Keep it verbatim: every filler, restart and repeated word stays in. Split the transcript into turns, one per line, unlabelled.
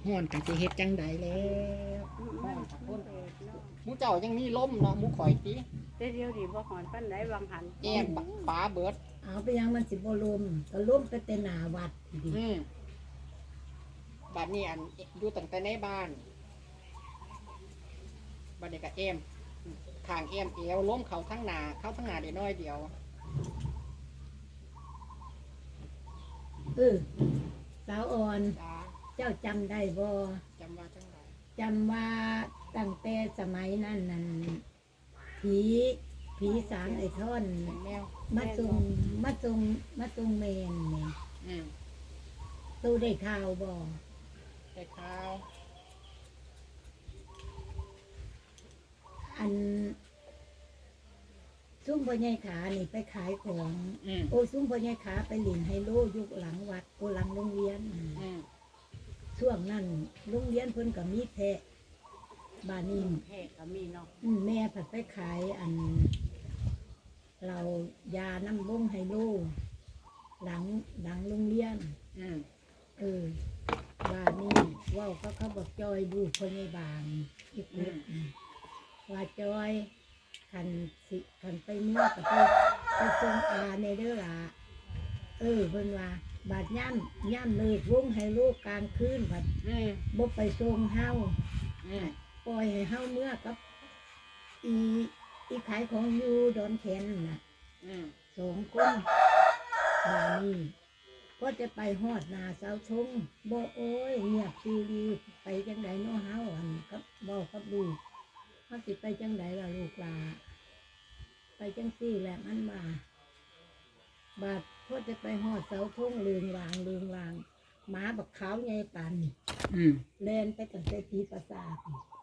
ฮ้อนกันสิเฮ็ดจังใดแล้วฮ้อนกับคนหมูเจ้ายังมีลมเนาะหมูข่อยติ
แต่เดียวดีบ่หอนปานใดวางหัน
แก้มฟ้าเบิด
เอาไปยังมันสิบ่ลมก็ลมไปแต่หน้าวัดดิ
อืมบัดนี้อันอยู่ตั้งแต่ในบ้านบัดนี้ก็แอมข้างแอมเอวล้มเขาทั้งหน้าเข้าทั้งหน้าได้น้อยเดียว
เออสาวอ่อน
จ้า
เจ้าจำได้บ่
จำว่าจังได
จำว่าตั้งแต่สมัยนั้นนั่นผีผีสางไอ้ท่อน
เป็นแมว
มาทรงมาทรงมาทรงเมนนี่
อืม
ตู้ได้ข่าวบ่
ได้ข้าว
อันซุ้มพ่อใหญ่ขานี่ไปขายของ
อืม
โอ้ซุ้มพ่อใหญ่ขาไปหลินไฮโลยุคหลังวัดโอหลังโรงเรียน
อืม
ช่วงนั้นโรงเรียนเพิ่นก็มีแพะบ้านนี้
แพ้ก็มีเนาะ
อืมแม่ผัดไปขายอันเรายาน้ำวงไฮโลหลังหลังโรงเรียน
อืม
เออบ้านนี้ว่าวเขาเขาบอกจอยดูพ่อใหญ่บางอีกนิดว่าจอยขันสิขันไปเมื่อกับไปไปทรงอาในเด้อละเออเพิ่นว่าบาดย่ำย่ำเลิกวงให้ลูกกลางคืนผัด
อืม
บ่ไปทรงเฮา
อืม
ปล่อยให้เฮาเมื่อกับอีอีขายของอยู่ดอนแขนน่ะ
อืม
สองคนบานี้ก็จะไปฮอดนาเสาชงบ่โอ้ยเงียบซีรีไปจังไดเนาะเฮาอันกับบ่กับลูกเฮาสิไปจังไดล่ะลูกหลาไปจังซี่แหละมันมาบาดก็จะไปฮอดเสาชงลืงวางลืงวางหมาบักขาวใหญ่ปานนี่
อืม
เล่นไปตั้งแต่ตีประสาท